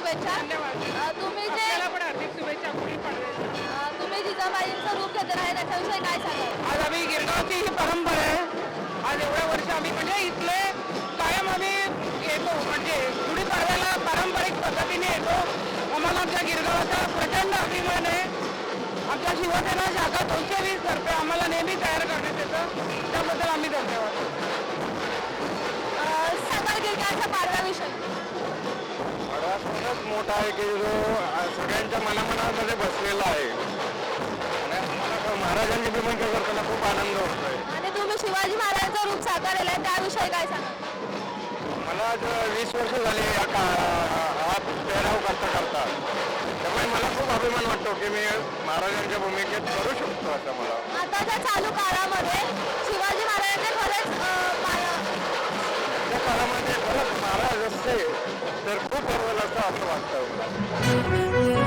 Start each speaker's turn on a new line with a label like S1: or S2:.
S1: शुभेच्छा.
S2: धन्यवाद.
S1: तुम्ही जे
S2: आपल्याला पण हार्दिक शुभेच्छा गुढीपाडव्याच्या.
S1: तुम्ही जिजाबाईंचं रूप घेतलं आहे त्याच्याविषयी काय सांगाल?
S2: आज आम्ही गिरगावची ही परंपरा आहे. आज एवढ्या वर्ष आम्ही म्हणजे इथले कायम आम्ही येतो, म्हणजे गुढीपाडव्याला पारंपरिक पद्धतीने येतो. आम्हाला आमच्या गिरगावाचा प्रचंड अभिमान आहे. आमच्या शिवसेना शाखा 220 तर्फे आम्हाला नेहमी तयार करण्यात येतं, त्याबद्दल आम्ही धन्यवाद.
S1: सांगाल गिरगावच्या पाडव्याविषयी.
S3: पाडवा सणच मोठा आहे की जो सगळ्यांच्या मनामनामध्ये बसलेला आहे आणि आम्हाला महाराजांची भूमिका करताना खूप आनंद होतोय.
S1: आणि तुम्ही शिवाजी महाराजांचं रूप साकारलेलं आहे त्याविषयी काय सांगाल?
S3: मला आज 20 वर्ष झाली हा पेहराव करता त्यामुळे मला खूप अभिमान वाटतो की मी महाराजांच्या भूमिकेत करू शकतो असं मला.
S1: आताच्या चालू काळामध्ये शिवाजी महाराजांचे खरंच
S3: त्या काळामध्ये खरंच महाराज असते तर खूप बरोबर असं वाटतं मला.